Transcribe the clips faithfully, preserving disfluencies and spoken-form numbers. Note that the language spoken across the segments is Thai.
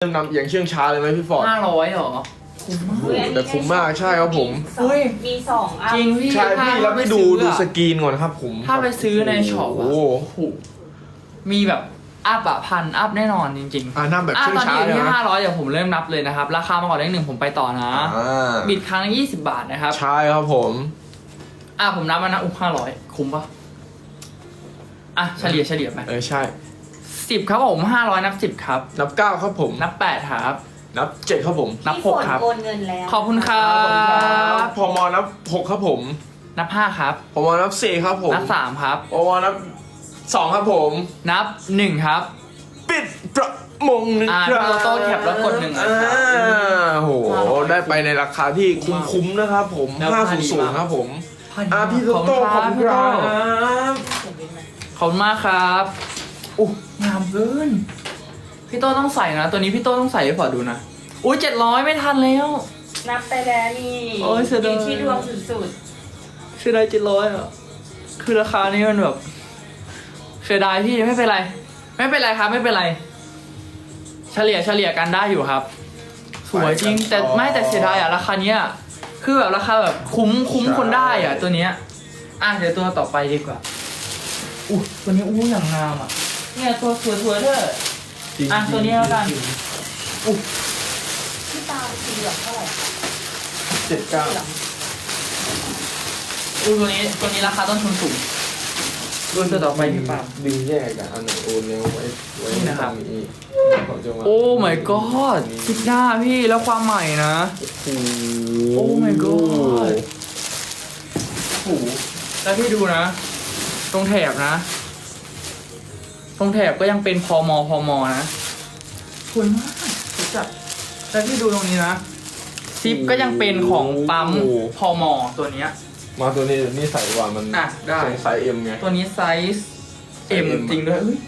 เริ่มนำอย่างเชื่องช้าเลยไหมพี่ฟอร์ดห้าร้อยเหรอคุ้มมากแต่คุ้มมากใช่ครับผมเฮ้ยมีสองอันจริงพี่ใช่พี่แล้วพี่ดูดูสกรีนก่อนครับผมถ้าไปซื้อในช็อปโอ้อะโหโอ้โหมีแบบอัพอะพันอัพแน่นอนจริงๆอ่านั่งแบบอ่ะเชื่องตอนช้านี้อยู่เลยที่นะห้าร้อยเดี๋ยวผมเริ่มนับเลยนะครับ ราคามาก่อนเลขหนึ่งผมไปต่อนะอ่าบิดครั้งละยี่สิบบาทนะครับใช่ครับผมอ่ะผมนับมานะอุ้ห้าร้อยคุ้มปะอ่ะเฉลี่ยเฉลี่ยไปเออใช่สิบครับผมห้าร้อยนับสิบครับนับเก้าครับผมนับแปดครับนับเจ็ดครับผมนับพี่หฝกนครับโอนเงินแล้วขอบคุณครับพมนับหกครับผมนับห้าครับพมนับสี่ครับผมนับสามครับพมนับสองครับผมนับหนึ่งครับปิดประมงหนึ่งอ่าครับพี่โตโต้แคปแล้วกดหนึ่งอ่ะอ่าโหได้ไปในราคาที่คุ้มๆนะครับผมแล้วห้าพอศูนดีย์มากครับผมอ่าพี่โตโต้ขอบคุณพี่คโตรับขอบคุณมากครับอู้งามเกินพี่โตต้องใส่นะ ตัวนี้พี่โตต้องใส่ให้พอดูนะอุ้ยเจ็ดร้อยไม่ทันแล้วนับไปแล้วนี่โอ้ยเสียดายอยู่ที่ดวงสุดเสียดายเจ็ดร้อยอ่ะคือราคานี้มันแบบเสียดายพี่ไม่เป็นไร ไม่เป็นไรครับไม่เป็นไร เฉลี่ยเฉลี่ยกันได้อยู่ครับ สวยจริง แต่ไม่แต่เสียดายอ่ะราคาเนี้ยคือแบบราคาแบบคุ้มคุ้มคนได้อ่ะ ตัวเนี้ยอ่ะเดี๋ยวตัวต่อไปดีกว่าอู้ตัวนี้อู้อย่างงามอ่ะเนี่ยตัวสวยสวยๆเธอจริงๆอ่ะตัวนี้แล้วกันอู้ๆพี่ตาสีเหลืองเท่าไหร่เจ็ดเก้าเหลืองอู้ตัวนี้ตัวนี้ราคาต้นทุนสูงรุ่นตัวต่อไปพี่ปาล์มดึงแยกกันอันไหนโอนแล้วไว้ไว้นี่นะครับตงนี้ผมจะมาโอ้ my god สิบหน้าพี่แล้วความใหม่นะโอ้โหโอ้ my god โอ้โหแล้วพี่ดูนะ ตรงแถบนะ ตรงแถบก็ยังเป็นพอมอพอมอนะสวยมากสวยจัดแล้วพี่ดูตรงนี้นะซิปก็ยังเป็นของปั๊มพอมอตัวเนี้ยมาตัวนี้นี่ใส่ว่ามันอ่ะได้เป็นไซส์เอ็มไงตัวนี้ไซส์ M ไซส์ M จริงด้วยเอ้ย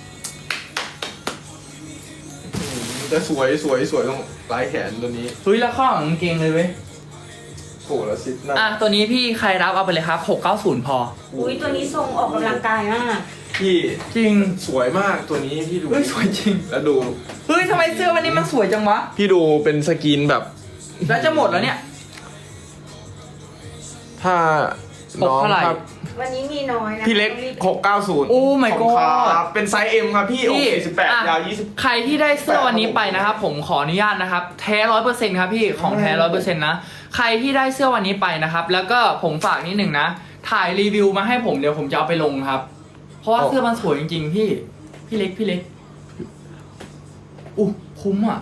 แต่สวยสวยสวยตรงปลายแขนตัวนี้เฮ้ยแล้วข้อของกางเกงเลยเว้ยโหแล้วซิปหน้าอ่ะตัวนี้พี่ใครรับเอาไปเลยครับหกเก้าศูนย์พออุ้ยตัวนี้ทรงออกกำลังกายมากพี่จริงสวยมากตัวนี้พี่ดูเฮ้ยสวยจริงแล้วดูเฮ้ยทำไมเสื้อวันนี้มันสวยจังวะพี่ดูเป็นสกรีนแบบแล้วจะหมดแล้วเนี่ยถ้าน้องเท่าไหร่ครับวันนี้มีน้อยนะพี่เล็กหกเก้าศูนย์โอ้ my ขอบคุณ god ครับเป็นไซส์เอ็มครับพี่อกสี่สิบแปดอ่ะยาวยี่สิบใครที่ได้เสื้อวันนี้ไปนะครับผมขออนุญาตนะครับ แท้ร้อยเปอร์เซ็นต์ครับพี่ของแท้ร้อยเปอร์เซ็นต์นะใครที่ได้เสื้อวันนี้ไปนะครับแล้วก็ผมฝากนิดหนึ่งนะถ่ายรีวิวมาให้ผมเดี๋ยวผมจะเอาไปลงครับ เพราะว่าเสื้อมันสวยจริงๆพี่พี่เล็กพี่เล็กอู้คุ้มอ่ะ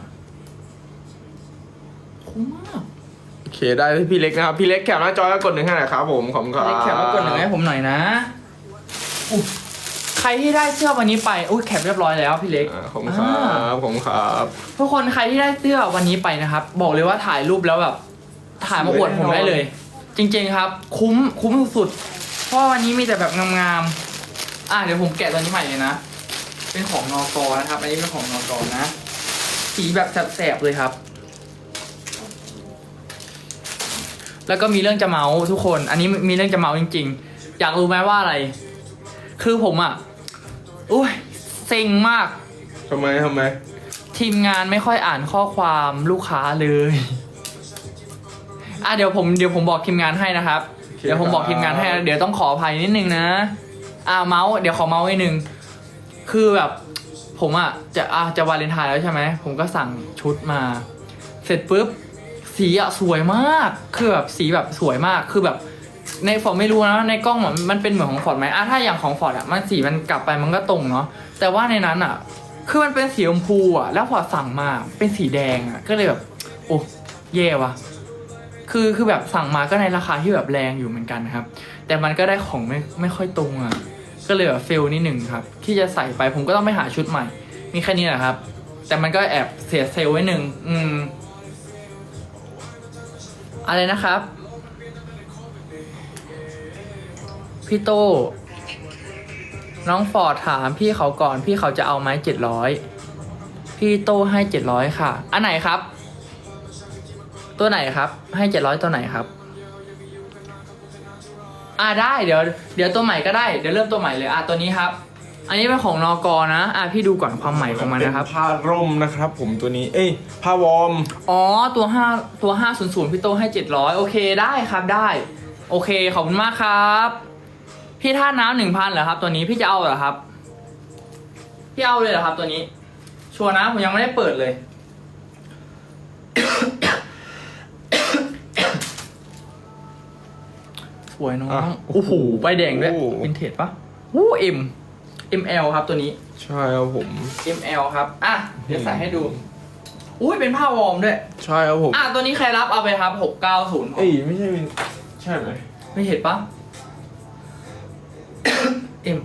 คุ้มมากโอเคได้ที่พี่เล็กนะครับพี่เล็กแคปหน้าจอแล้วกดหนึ่งให้หน่อยครับผมขอบคุณครับเล็กแคปมากดหนึ่งให้ผมหน่อยนะอู้ใครที่ได้เสื้อวันนี้ไปอุ้ยแคปเรียบร้อยแล้วพี่เล็กอ่าขอบคุณครับขอบคุณครับทุกคนใครที่ได้เสื้อวันนี้ไปนะครับ บอกเลยว่าถ่ายรูปแล้วแบบถ่ายมาอวดผมได้เลย จริงๆครับ คุ้มคุ้มสุดๆเพราะว่าวันนี้มีแต่แบบงามๆอ่ะเดี๋ยวผมแกะตัวนี้ใหม่เลยนะเป็นของนอกนะครับ อันนี้เป็นของนอกนะสีแบบแสบๆเลยครับ แล้วก็มีเรื่องจะเมาส์ทุกคน อันนี้มีเรื่องจะเมาส์จริงๆ อยากรู้ไหมว่าอะไร คือผมอ่ะอุ้ยเซ็งมากทำไมทำไมทีมงานไม่ค่อยอ่านข้อความลูกค้าเลยอ่ะเดี๋ยวผมเดี๋ยวผมบอกทีมงานให้นะครับ เดี๋ยวผมบอกทีมงานให้เดี๋ยวต้องขออภัยนิดนึงนะ อ่ะเมาส์เดี๋ยวขอเมาส์นิดนึง คือแบบผมอ่ะจะอ่ะจะวาเลนไทน์แล้วใช่ไหม ผมก็สั่งชุดมา เสร็จปุ๊บสีอ่ะสวยมาก คือแบบสีแบบสวยมาก คือแบบในฟอร์ดไม่รู้นะในกล้องมันมันเป็นเหมือนของฟอร์ดไหมอ่ะถ้าอย่างของฟอร์ดอ่ะมันสีมันกลับไปมันก็ตรงเนาะ แต่ว่าในนั้นอ่ะ คือมันเป็นสีชมพูอ่ะ แล้วพอสั่งมาเป็นสีแดงอ่ะ ก็เลยแบบ โอ้เย่ว่ะ คือคือแบบสั่งมาก็ในราคาที่แบบแรงอยู่เหมือนกันนะครับ แต่มันก็ได้ของไม่ไม่ค่อยตรงอ่ะ ก็เลยแบบเฟลนิดหนึ่งครับ ที่จะใส่ไปผมก็ต้องไปหาชุดใหม่ มีแค่นี้แหละครับ แต่มันก็แอบเสียเซลล์ไว้หนึ่งอืม อะไรนะครับ พี่โตน้องฟอร์ดถามพี่เขาก่อนพี่เขาจะเอาไหมเจ็ดร้อยพี่โตให้เจ็ดร้อยค่ะ อันไหนครับ ตัวไหนครับ ให้เจ็ดร้อยตัวไหนครับ อ่าได้เดี๋ยวเดี๋ยวตัวใหม่ก็ได้เดี๋ยวเริ่มตัวใหม่เลยอ่ะตัวนี้ครับอันนี้เป็นของนกนะ อ่ะพี่ดูก่อนความใหม่ของมันนะครับเป็ผ้าร่มนะครับ ผมตัวนี้ เอ้ยผ้าวอร์มอ๋อ ตัวห้าตัวห้าศูนย์ศูนย์พี่โตให้เจ็ดร้อยโอเคได้ครับได้ โอเคขอบคุณมากครับ พี่ท่าน้ำหนึ่งพันเหรอครับ ตัวนี้พี่จะเอาเหรอครับ พี่เอาเลยเหรอครับ ตัวนี้ ชัวร์นะผมยังไม่ได้เปิดเลย สวยน้องอ่ะโอ้โหใบแดงด้วยโอ้โหวินเทจปะวู้เอ็มเอ็มแอลครับตัวนี้ใช่ครับผมเอ็มแอล ครับ อ่ะ เดี๋ยวใส่ให้ดู อุ้ยเป็นผ้าวอร์มด้วยใช่ครับผมอ่ะ ตัวนี้ใครรับเอาไปครับหกเก้าศูนย์เอ้ยไม่ใช่วินใช่ไหมไม่เห็นปะ เอ็ม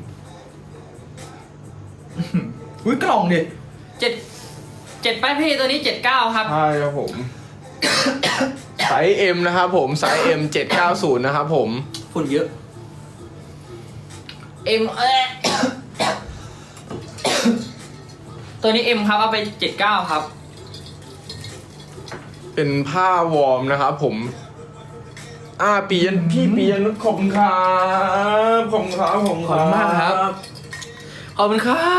อุ้ยกล่องดิเจ็ดเจ็ดป้ายพี่ตัวนี้เจ็ดเก้าครับใช่ครับผม ไซส์ M นะครับผมไซส์ M เจ็ดเก้าศูนย์นะครับผมฝุ่นเยอะ เอ็มเอ ตัวนี้เอ็มครับเอาไปเจ็ดเก้าครับเป็นผ้าวอร์มนะครับผม อ่าปียันพี่ปียันนุชขอบคุณครับขอบคุณครับขอบคุณขอบคุณมากครับ ขอบคุณครับ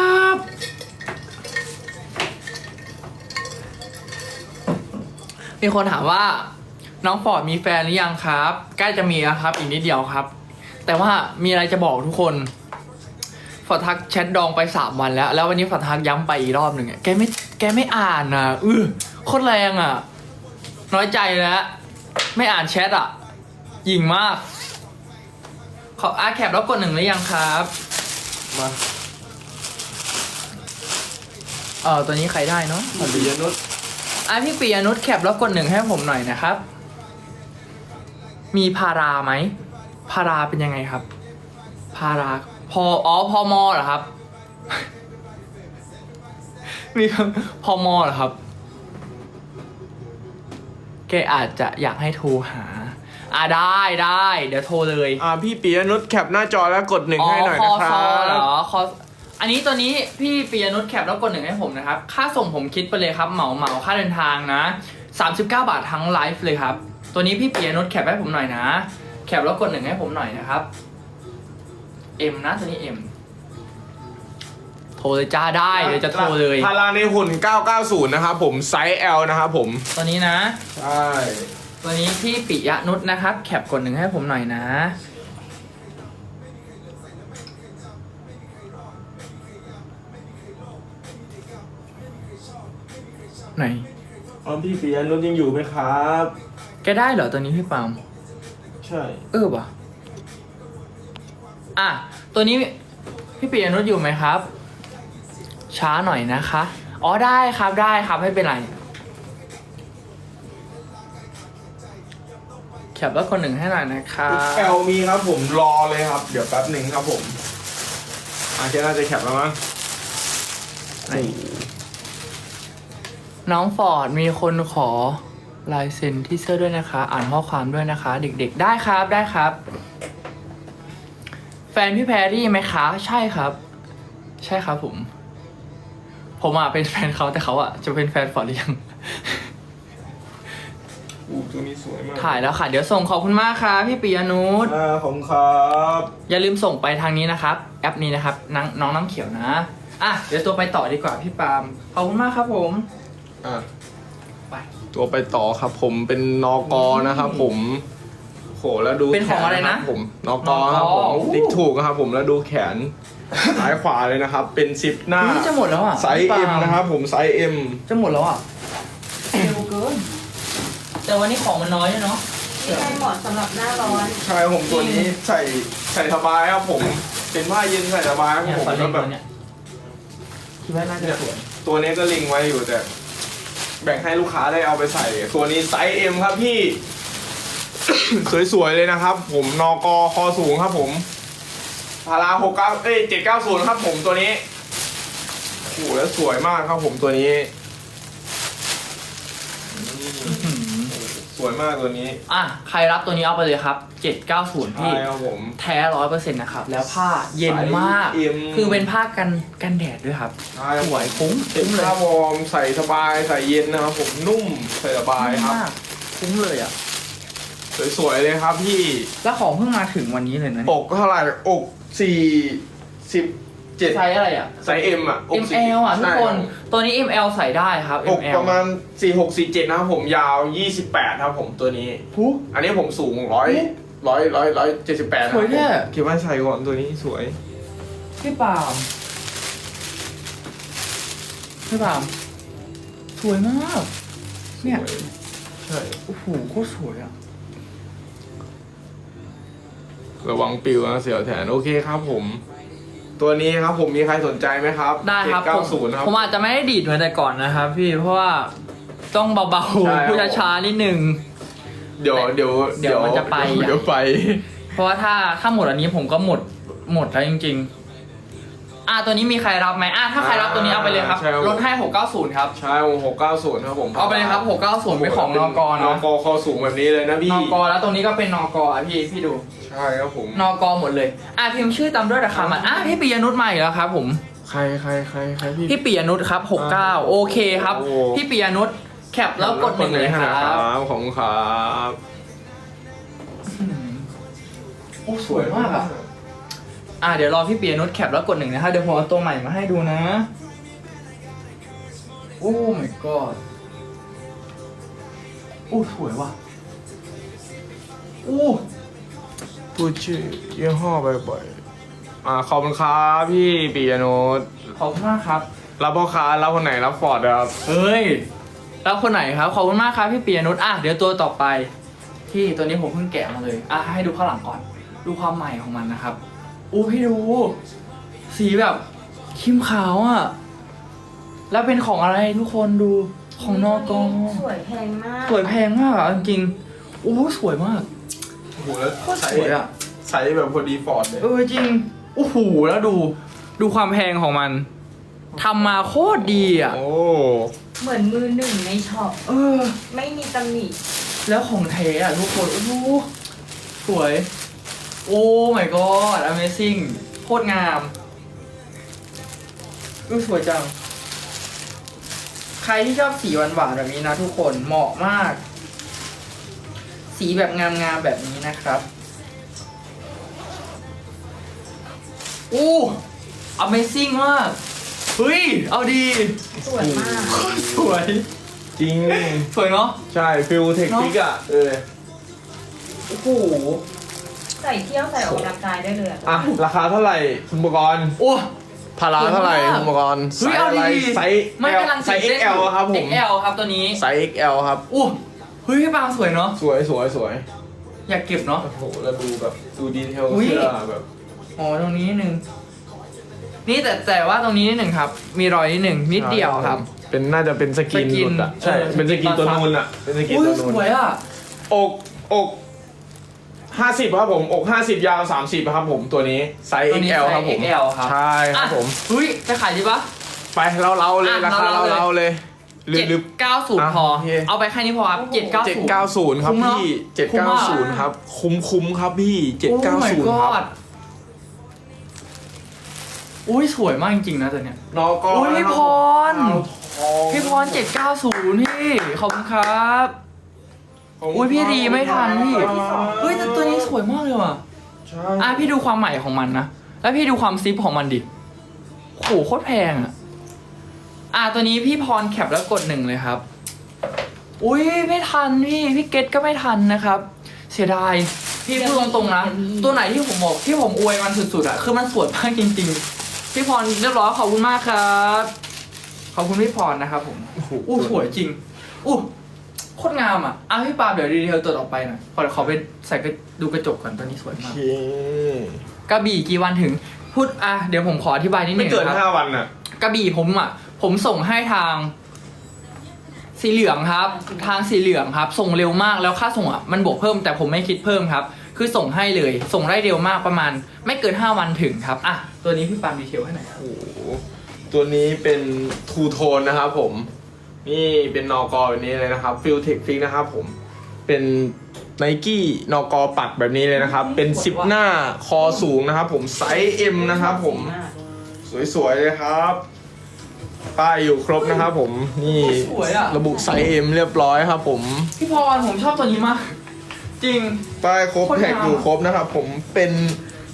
มีคนถามว่า น้องฟอร์ดมีแฟนหรือยังครับ ใกล้จะมีแล้วครับ อีกนิดเดียวครับ แต่ว่ามีอะไรจะบอกทุกคน ฟอร์ดทักแชทดองไปสามวันแล้ว แล้ววันนี้ฟอร์ดทักย้ำไปอีกรอบหนึ่งอะแกไม่แกไม่อ่านอ่ะอือโคตรแรงอ่ะ น้อยใจแล้ว ไม่อ่านแชทอ่ะหยิ่งมาก ขออาแคปแล้วกดหนึ่งหรือยังครับมาเออตัวนี้ใครได้เนาะปียันนุชอ่ะพี่ปียนุชแคปแล้วกดหนึ่งให้ผมหน่อยนะครับ มีพาราไหม พาราเป็นยังไงครับ พาราพออ๋อพอมอเหรอครับ มีพอมอเหรอครับ แกอาจจะอยากให้โทรหา อ่ะได้ได้เดี๋ยวโทรเลยอ่าพี่ปียนุชแคปหน้าจอแล้วกดหนึ่งให้หน่อยคอนะครัซอเหรบอคออันนี้ตัวนี้พี่ปียนุชแคปแล้วกดหนึ่งให้ผมนะครับ ค่าส่งผมคิดไปเลยครับเหมาเหมาค่าเดินทางนะสามสิบเก้าบาททั้งไลฟ์เลยครับ ตัวนี้พี่ปียนุชแคปให้ผมหน่อยนะ แคปแล้วกดหนึ่งให้ผมหน่อยนะครับ เอ็มนะตัวนี้เอ็มโทรเลยจ้าได้เดี๋ยวจะโทรเลยพาราในหุ่นเก้าเก้าศูนย์นะครับผมไซส์ L นะครับผมตัวนี้นะใช่ตัวนี้พี่ปิยนุชนะครับ แคปกดหนึ่งให้ผมหน่อยนะ ไหนอ๋อพี่ปียนุชยังอยู่ไหมครับแกได้เหรอตัวนี้พี่ปาล์มใช่เออว่ะอ่ะ ตัวนี้พี่ปียนุชอยู่ไหมครับ ช้าหน่อยนะคะ อ๋อได้ครับได้ครับไม่เป็นไร แคปแล้วคนหนึ่งให้หน่อยนะครับแอลมีครับผมรอเลยครับ เดี๋ยวแป๊บหนึ่งครับผมอาเจน่าจะแคปแล้วมั้งไหน น้องฟอร์ดมีคนขอลายเซ็นที่เสื้อด้วยนะคะ อ่านข้อความด้วยนะคะ เด็กๆได้ครับได้ครับ แฟนพี่แพรรี่ไหมคะ ใช่ครับ ใช่ครับผม ผมอ่ะเป็นแฟนเขาแต่เขาอ่ะจะเป็นแฟนฟอร์ดหรือยังอู้ตัวนี้สวยมากถ่ายแล้วค่ะ เดี๋ยวส่งขอบคุณมากครับพี่ปิยนุชอ่าขอบคุณครับอย่าลืมส่งไปทางนี้นะครับ แอปนี้นะครับน้องน้องน้ำเขียวนะอ่ะเดี๋ยวตัวไปต่อดีกว่าพี่ปาล์มขอบคุณมากครับผมอ่ะไปตัวไปต่อครับผมเป็นนกนะครับผมโหแล้วดูเป็นของอะไรนะแขครับผมนกครับผมนกติ๊กถูกนะครับผมแล้วดูแขน ซ้ายขวาเลยนะครับ เป็นซิปหน้านี่จะหมดแล้วอ่ะไซส์พี่ปาเอ็ล์มนะครับผมไซส์เอ็มจะหมดแล้วอ่ะเร็วเกินแต่วันนี้ของมันน้อยด้วยเนาะนี่ใช่เหมาะสำหรับหน้าร้อนใช่ผมตัวนี้ใส่ใส่สบายครับผม เป็นผ้าเย็นใส่สบายครับเนี่ยผมฟอร์ดเล่แล้วนแบตับวเนี้ยคิดว่าน่าจะสวยตัวนี้ก็ลิงไว้อยู่แต่ แบ่งให้ลูกค้าได้เอาไปใส่ ตัวนี้ไซส์เอ็มครับพี่ สวยๆเลยนะครับ ผมนกคอสูงครับผมพาราหกเก้าเอ้ยเจ็ดเก้าศูนย์ครับผมตัวนี้โอ้โหแล้วสวยมากครับผมตัวนี้อืมสวยมากตัวนี้อ่ะใครรับตัวนี้เอาไปเลยครับเจ็ดเก้าศูนย์พี่ใช่ครับผมแท้ร้อยเปอร์เซ็นต์นะครับ แล้วผ้าเย็นมากไซส์ เอ็มคือเป็นผ้ากันกันแดดด้วยครับใช่สวยคุ้มเป็นคุ้มเลยผ้าวอร์มใส่สบายใส่เย็นนะครับผมนุ่มใส่สบายครับมากคุ้มเลยอ่ะสวยๆเลยครับพี่แล้วของเพิ่งมาถึงวันนี้เลยนะเนี่ยอกเท่าไหร่อกสี่สิบเจ็ดไซส์อะไรอ่ะไซส์ M อ่ะอกเอ็ม แอล อ่ะทุกคน ตัวนี้ เอ็ม แอล ใส่ได้ครับอกเอ็ม แอลประมาณสี่หกสี่เจ็ดนะครับผมยาวยี่สิบแปดครับผมตัวนี้หูอันนี้ผมสูงร้อยร้อยร้อยร้อยเจ็ดสิบแปดสวยแท้คิดว่าใส่ก่อนตัวนี้สวยพี่ปาล์มพี่ปาล์มสวยมาก เนี่ยสวยใช่โอ้โหโคตรสวยอ่ะระวังปิวนะเสี่ยวแทนโอเคครับผม ตัวนี้ครับผมมีใครสนใจไหมครับได้ครับเก้าผมศูนย์ครับผมอาจจะไม่ได้ดีดเหมือนแต่ก่อนนะครับพี่เพราะว่าต้องเบาใช่ๆพูดช้าๆนิดนึงเดี๋ยวเดี๋ยวเดี๋ยวมันจะไปอ่ะเดี๋ยวไปเพราะว่าถ้าถ้าหมดอันนี้ผมก็หมดหมดแล้วจริงๆ อ่ะตัวนี้มีใครรับไหมอ่ะถ้าใครรับตัวนี้เอาไปเลยครับใช่ครับลดให้หกเก้าศูนย์ครับใช่ผมหกเก้าศูนย์ครับผมเอาไปเลยครับหกเก้าศูนย์เป็นของนกนนะกคอสูงแบบนี้เลยนะพี่นกแล้วตรงนี้ก็เป็นนกอ่ะพี่พี่ดูใช่ครับผมนกหมดเลย อ่ะพิมพ์ชื่อตามด้วยราคามันอ่ะพี่ปิยนุชมาอีกแล้วครับผมใครใครใครใครพี่พี่ปิยนุชครับหกเก้าโอเคครับโอ้พี่ปิยนุชแคปแล้วกดหนึ่งเลยครับบของครับโอ้สวยมากอ่ะ อ่ะเดี๋ยวรอพี่ปิยนุชแคปแล้วกดหนึ่งนะครับเดี๋ยวผมเอาตัวใหม่มาให้ดูนะ โอ้ my god โอ้สวยว่ะโอ้พูดชื่อยี่ห้อบ่อยๆอ่าขอบคุณครับพี่ปียโนตขอบคุณมากครับรับพ่อค้ารับคนไหนรับฟอร์ดครับเฮ้ย แล้วคนไหนครับ ขอบคุณมากครับพี่ปิยนุชอ่ะเดี๋ยวตัวต่อไป ที่ตัวนี้ผมเพิ่งแกะมาเลย อ่ะให้ดูข้างหลังก่อน ดูความใหม่ของมันนะครับอู้พี่ดู สีแบบครีมขาวอ่ะ แล้วเป็นของอะไรทุกคนดูของนอกอสวยแพงมากสวยแพงมากอ่ะจริงๆอู้สวยมากโอ้โหแล้วโคตรสวยอ่ะใส่แบบพอดีฟอร์ดเลยเออจริงโอ้โหแล้วดู ดูความแพงของมันทำมาโคตรดีอ่ะโอ้เหมือนมือหนึ่งในช็อปเออไม่มีตำหนิแล้วของแท้อ่ะทุกคนโอ้โหสวย โอ้ my god amazing โคตรงามดูสวยจัง ใครที่ชอบสีหวานๆแบบนี้นะทุกคนเหมาะมาก สีแบบงามๆแบบนี้นะครับโอ้ amazing มาก เฮ้ย เอาดีสวยมากสวยจริงสวยเนาะใช่ฟิลเทคนิคอ่ะเออโอ้โหใส่เที่ยวใส่ออกกำลังกายได้เลยอะอ่ะราคาเท่าไหร่คุณปกรณ์โอ้พาราเท่าไหร่คุณปกรณ์เฮ้ยเอาดีไซส์ไม่กำลังไซส์ เอ็กซ์ แอล ครับผมเอ็กซ์ แอล ครับตัวนี้ไซส์ เอ็กซ์ แอล ครับอู้เฮ้ยพี่ปางสวยเนาะสวยสวยสวยอยากเก็บเนาะโอ้โหแล้วดูแบบดูดีเทลอุ๊ยเสื้อแบบอ๋อตรงนี้นิดนึง นี่แต่แต่ว่าตรงนี้นิดหนึ่งครับ มีรอยนิดหนึ่งนิดเดียวครับเป็นน่าจะเป็นสกินสกินหลุดอ่ะใช่เออเป็นสกินสกินตัวนูนอ่ะเป็นสกินอุ้ยตัวสนูนวยอ่ะอกอกห้าสิบครับผมอกห้าสิบยาวสามสิบครับผมตัวนี้ไซส์ตัวเอ็กนี้ซ์ แอลไซส์ครับผมเอ็กซ์ แอล ครับใช่ครับผมอ่ะเฮ้ยจะขายดีปะไปเราเราๆเลยอ่ะราคาเราเราๆเลยเราๆเลยหรือเจ็ดหรือเก้าศูนย์อ่ะพอโอเคเอาไปแค่นี้พอครับเจ็ดเก้าเจ็ดศูนย์เก้าศูนย์ครับคุ้มเนอะพี่เจ็ดคุ้มเก้ามากศูนย์ครับคุ้มคุ้มครับพี่เจ็ดโอ้เก้า my ศูนย์ครับ god อุ้ยสวยมากจริงๆนะตัวเนี้ยนอกอโอ้ยพี่พรเอาทองพี่พรเจ็ดเก้าศูนย์พี่ขอบคุณครับ อุ๊ยพี่รีไม่ทันพี่ เฮ้ยแต่ตัวนี้สวยมากเลยว่ะใช่อ่ะพี่ดูความใหม่ของมันนะ แล้วพี่ดูความซิปของมันดิโหโคตรแพงอ่ะ อ่ะตัวนี้พี่พรแคปแล้วกดหนึ่งเลยครับ อุ้ยไม่ทันพี่ พี่เกตก็ไม่ทันนะครับ เสียดาย พี่พูดตรงๆนะ ตัวไหนที่ผมบอกที่ผมอวยมันสุดๆอ่ะ คือมันสวยมากจริงๆ พี่พรเรียบร้อยขอบคุณมากครับ ขอบคุณพี่พรนะครับผมโอ้โหอู้สวยจริง อู้โคตรงามอ่ะอ่ะพี่ปาล์มเดี๋ยวดีเทลตัวต่อไปหน่อยขอขอไปใส่กระดูกระจกก่อนตัวนี้สวยโอมากเคกระบี่กี่วันถึง พูดอ่ะเดี๋ยวผมขออธิบายนิดหไม่นึ่งเกินคห้ารับวันอ่ะกระบี่ผมอ่ะ ผมส่งให้ทาง สีเหลืองครับ ทางสีเหลืองครับ ส่งเร็วมากแล้วค่าส่งอ่ะมันบวกเพิ่มแต่ผมไม่คิดเพิ่มครับ คือส่งให้เลย ส่งได้เร็วมากประมาณ ไม่เกินห้าวันถึงครับอ่ะตัวนี้พี่ปาล์มดีเทลให้หน่อยครับโอ้โหตัวนี้เป็นทูโทนนะครับผม นี่เป็นนอกอแบบนี้เลยนะครับฟิลเทคฟิกนะครับผม เป็นไนกี้นอกอปักแบบนี้เลยนะครับ เป็นซิปหน้าคอสูงนะครับผมไซส์ M นะครับผม สวยๆเลยครับ ป้ายอยู่ครบนะครับผม นี่สวยอ่ะระบุไซส์ M เรียบร้อยครับผมพี่พรผมชอบตัวนี้มาก จริงป้ายครบโคตรงามแท็กอยู่ครบนะครับผม เป็น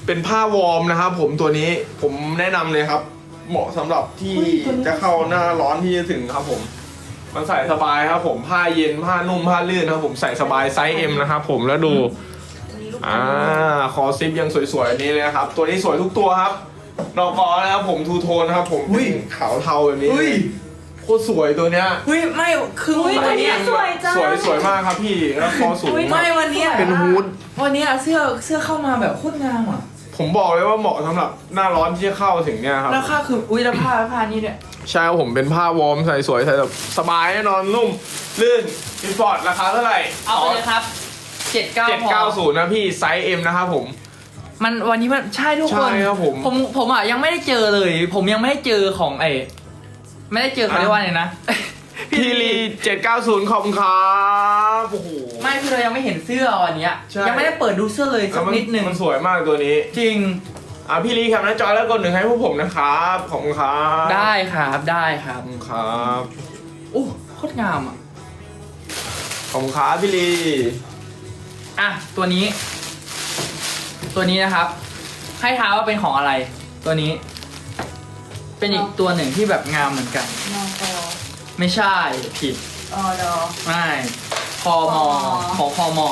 เป็นผ้าวอร์มนะครับผมตัวนี้ผมแนะนำเลยครับ เหมาะสำหรับที่จะเข้าหน้าร้อนที่จะถึงครับผมมันใส่สบายครับผมผ้าเย็นผ้านุ่มผ้าลื่นครับผมใส่สบายไซส์ M นะครับผมแล้วดูตัวนี้ลูกอ่าคอซิปยังสวยๆอันนี้เลยนะครับตัวนี้สวยทุกตัวครับนอกอนะครับผมทูโทนนะครับผมขาวเทาแบบนี้เฮ้ยโคตรสวยตัวเนี้ยเฮ้ยไม่คืออุ้ยวัตัวน นี้เนี้ยสวยจังสวยสวยมากครับพี่แล้วคอสูงอุ๊ยไม่วันเนี้ยเป็นฮูดวันเนี้ยเสื้อเสื้อเข้ามาแบบโคตรงามอ่ะผมบอกเลยว่าเหมาะสำหรับหน้าร้อนที่จะเข้าถึงเนี่ยครับราคาคืออุ้ยแล้วผ้าผ้านี่เนี่ยใช่ครับผมเป็นผ้าวอร์มใส่สวยใส่แบบสบายแน่นอนนุ่มลื่นอินฟอร์ดราคาเท่าไหร่เอาไปเลยครับเจ็ดเก้าเจ็ดเก้าศูนย์นะพี่ไซส์ M นะครับผมมันวันนี้มันใช่ทุกคนใช่ครับผมผมผมอ่ะยังไม่ได้เจอเลย ผมยังไม่ได้เจอของไอ้ไม่ได้เจอเขาอ่ะเรียกว่าไงนะพี่ลีเจ็ดเก้าศูนย์ขอบคุณครับโอ้โหไม่คือเรายังไม่เห็นเสื้อวันเนี้ยใช่ยังไม่ได้เปิดดูเสื้อเลยสักนิดหนึ่งมันสวยมากตัวนี้จริงอ่ะพี่ลีแคปหน้าจอแล้วกดหนึ่งให้พวกผมนะครับขอบคุณครับได้ครับได้ครัขบอบคุณครับโอ้โคตรงามอ่ะขอบคุณครับพี่ลีอ่ะตัวนี้ ตัวนี้นะครับ ให้ท้ายว่าเป็นของอะไร ตัวนี้ เป็นอีกตัวหนึ่งที่แบบงามเหมือนกันนอกอไม่ใช่ผิดออดอไม่พอมอพอของพอมอ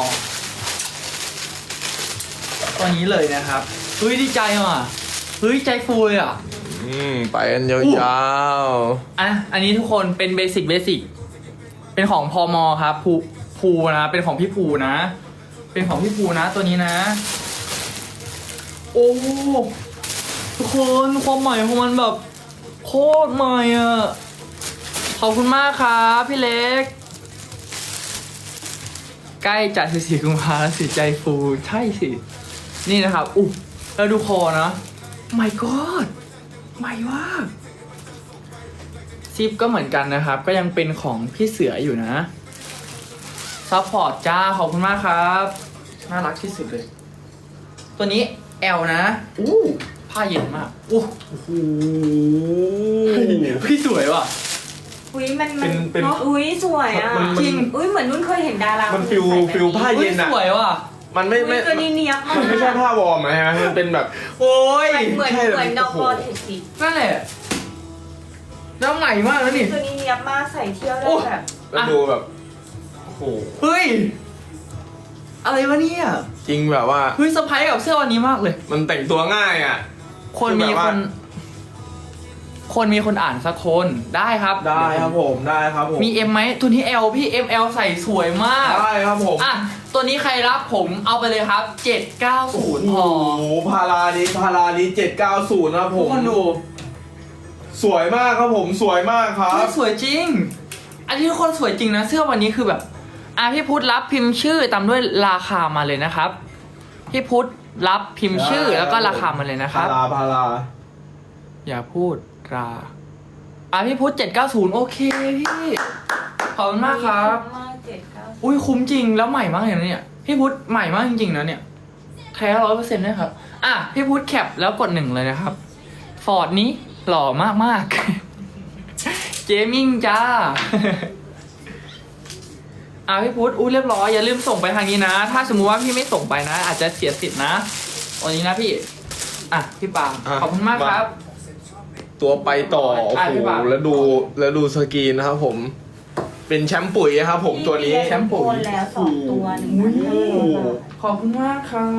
ตัวนี้เลยนะครับเฮ้ยดีใจว่ะเฮ้ยใจฟูเลยอ่ะอืมไปกันยาวอ่ะอันนี้ทุกคนเป็นเบสิกเบสิกเป็นของพอมอครับภูภูนะเป็นของพี่ภูนะ เป็นของพี่ภูนะตัวนี้นะ โอ้ทุกคนความใหม่ของมันแบบโคตรใหม่อ่ะขอบคุณมากครับพี่เล็ก ใกล้จัดสิบสี่กุมภาพันธ์สิใจฟูใช่สิ นี่นะครับอุ๊ยแล้วดูคอนะ my god ใหม่มากซิปก็เหมือนกันนะครับ ก็ยังเป็นของพี่เสืออยู่นะซัพพอร์ตจ้าขอบคุณมากครับ น่ารักที่สุดเลย ตัวนี้ L นะอู้ผ้าเย็นมากอู้ๆโอ้โหพี่สวยว่ะอุ้ยมันมัเป็นเป็นเนาะอุ้ยสวยอ่ะมันมันจริงอุ้ยเหมือนนุ่นเคยเห็นดารามันฟิลใส่แบบฟิลผ้าเฮ้เย็ยนอะสวยว่ะมันไม่อุ้ไม่ยตัวนี้เนียบมากมันไม่ใช่ผ้าวอร์มนะฮะมันเป็นแบบโอ้ยเหมือนใช่เหมือนเลยนอกโอ้อโหเทคนิคนั่นแหละแล้วใหม่มากแล้วนี่ตัวนี้เนียบมากใส่เที่ยวได้โอ้แบบแล้วดูแบบโอ้โหเฮ้ย อะไรวะเนี่ยจริงแบบว่าเฮ้ยเซอร์ไพรส์กับเสื้อวันนี้มากเลยมันแต่งตัวง่ายอ่ะคนคือมีแบบคว่าน คนมีคนอ่านสักคนได้ครับได้ครับผมได้ครับผมมี M ไหมตัวนี้ L พี่ เอ็ม แอล ใส่สวยมากได้ครับผมอ่ะ ตัวนี้ใครรับผมเอาไปเลยครับเจ็ดเก้าศูนย์พอโอ้โหพารานี้พารานี้เจ็ดเก้าศูนย์นะครับผทุกมคนดูสวยมากครับผมสวยมากครัเฮ้บยสวยจริง อันนี้ทุกคนสวยจริงนะเสื้อวันนี้คือแบบอ่ะพี่พุทธรับพิมพ์ชื่อตามด้วยราคามาเลยนะครับพี่พุทธรับพิมพ์ชื่อแล้วก็ราคามาเลยนะครับพาราพาราอย่าพูดราอ่ะพี่พุทธเจ็ดเก้าศูนย์โอเคพี่ขอบคุณมากครับมากเจ็ดเก้าอุ้ยคุ้มจริงแล้วใหม่มากเลยนะเนี่ยพี่พุทธใหม่มากจริงๆนะเนี่ยแท้ร้อยเปอร์เซ็นต์ด้วยครับอ่ะพี่พุทธแคปแล้วกดหนึ่งเลยนะครับฟอร์ดนี้หล่อมากมากๆ เจมิ่งจ้า อ่ะพี่พุทธอุ้ยเรียบร้อยอย่าลืมส่งไปทางนี้นะ ถ้าสมมุติว่าพี่ไม่ส่งไปนะ อาจจะเสียสิทธิ์นะวันนี้นะพี่อ่ะพี่ปาล์มะขอบคุณมากครับตัวไปต่อโอ้อ่ะโหพี่ปาล์มแล้วดูแล้วดูสกรีนนะครับผม เป็นแชมป์ปุ๋ยนะครับผมตัวนี้แชมป์ปุ๋ยโอนแล้วสองตัวหนึ่งอุ้ยพันห้าร้อยบาทขอบคุณมากครับ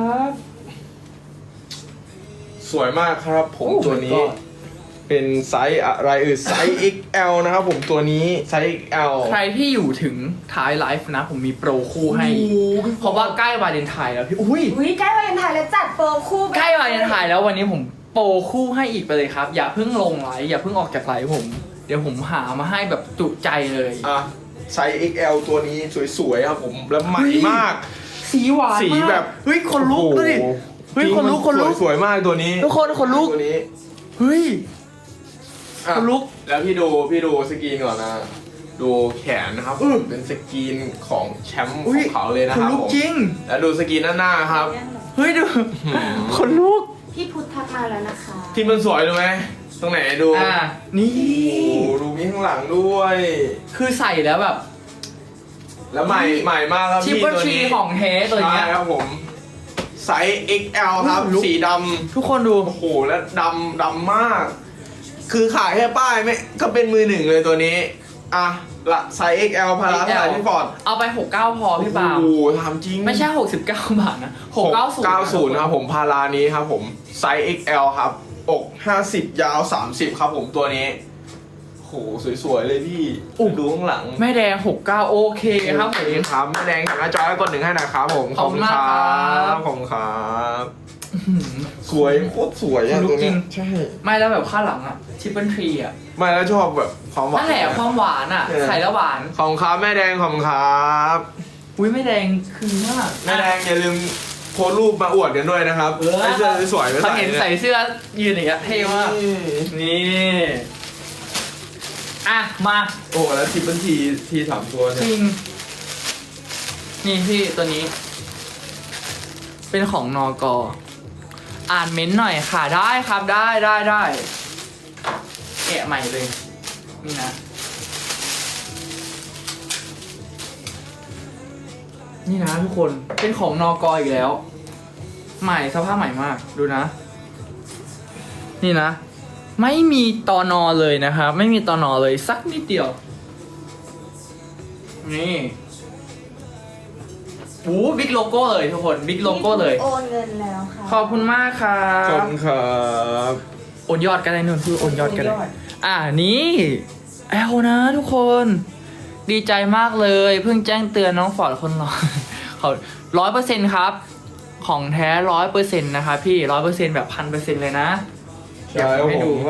สวยมากครับผมโอ้ตัวนี้ my god เป็นไซส์อะไรเอ่ยไซส์ เอ็กซ์ แอล นะครับผมตัวนี้ไซส์ เอ็กซ์ แอลใครที่อยู่ถึงท้ายไลฟ์นะ ผมมีโปรคู่ให้โอ้โหเพราะว่าใกล้ วาเลนไทน์แล้วพี่ อุ้ยอุ้ยใกล้วาเลนไทน์แล้วจัดโปรคู่ไปใกล้วาเลนไทน์แล้ววันนี้ผมโปรคู่ให้อีกไปเลยครับ อย่าเพิ่งลงไลฟ์อย่าเพิ่งออกจากไลฟ์ผม เดี๋ยวผมหามาให้แบบจุใจเลยอ่ะไซส์ เอ็กซ์ แอล ตัวนี้สวยๆครับผมแล้วใหม่มากสีหวานสีมากแบบเฮ้ยคนลุกดูดิโอ้โหเฮ้ยจริงคนลุกมัคนลุกสวยๆมากตัวนี้ทุกคนคนลุกตัวนี้เฮ้ยอ่ะคนลุกแล้วพี่ดูพี่ดูสกรีนก่อนนะ ดูแขนนะครับอื้อเป็นสกรีนของแชมป์ขอุ้อย งเขาเลยนะคคน รับลุกผมจริงแล้วดูสกรีนด้านหน้าครับเฮ้ยดูหืมคนลุกพี่พุทธทักมาแล้วนะคะที่มันสวยดูไหมตรงไหนดูอ่านี่โอ้โหดูมีข้างหลังด้วยคือใส่แล้วแบบแล้วใหม่ใหม่มากครับชิปพี่เปอร์ตัวทรีนี้ของเทสตัวเนี้ยใช่ครับผมไซส์ เอ็กซ์ แอล ครับลุกสีดทุกคนดูำโอ้โหแล้วดำดำมาก คือขายแค่ป้ายไม่ก็เป็นมือหนึ่งเลยตัวนี้ อ่ะละไซส์ เอ็กซ์ แอล พาราเท่าไหร่พี่ฟอร์ดเอาไปหกเก้าพอพี่ปาล์มโอ้โหทำจริงไม่ใช่หกสิบเก้าบาทนะหกเก้าศูนย์เก้าศูนย์ครับผมพารานี้ครับผมไซส์ เอ็กซ์ แอล ครับอกห้าสิบยาวสามสิบครับผมตัวนี้โหสวยๆเลยพี่ดูข้างหลังแม่แดงหกเก้าโอเคครับผมโอเครับแม่แดงถังหน้าจอให้กดหนึ่งให้หนะครับผมขอบคุณมากครับขอบคุณครับสวยโคตรสวยอะลุกตัวจริเนี้งยใช่ไม่แล้วแบบข้างหลังอะทิปเปิลทรีอะไม่แล้วชอบแบบความหวานนั่นแหละความหวานอะเออใส่แล้วหวานขอบคุณครับแม่แดงขอบคุณครับอุ้ยแม่แดงคือมากแม่แดงอย่าลืมโพสต์รูปมาอวดกันด้วยนะครับเออให้เสื้อสวยๆไปเขาใส่เห็นใส่เสื้อยืนอย่างเงี้ยเท่มากนี่นี่อ่ะมาโอ้โหแล้วทิปเปิลทีทีสามตัวจเนี่ยริงนี่พี่ตัวนี้ เป็นของนอกอ่านเม้นต์หน่อยค่ะได้ครับได้ได้ได้แกะใหม่เลย นี่นะ นี่นะทุกคนเป็นของนอกอีกแล้ว ใหม่สภาพใหม่มากดูนะ นี่นะ ไม่มีตอนอเลยนะครับ ไม่มีตอนอเลยสักนิดเดียว นี่โอ้บิ๊กโลโก้เลยทุกคนบิ๊กโลโก้เลยโอนเงินแล้วค่ะขอบคุณมากครัขอบบ คุณครับโอนยอดกันเลยนุ่นคือโอนยอดกันเลยโอนยอดอ่านี่แอลนะทุกคน ดีใจมากเลย เพิ่งแจ้งเตือนน้องฟอร์ดคนรอ เขาร้อยเปอร์เซ็นต์ครับ ของแท้ร้อยเปอร์เซ็นต์นะครับพี่ร้อยเปอร์เซ็นต์แบบพันเปอร์เซ็นต์เลยนะใช่ครับให้ผดูมว่า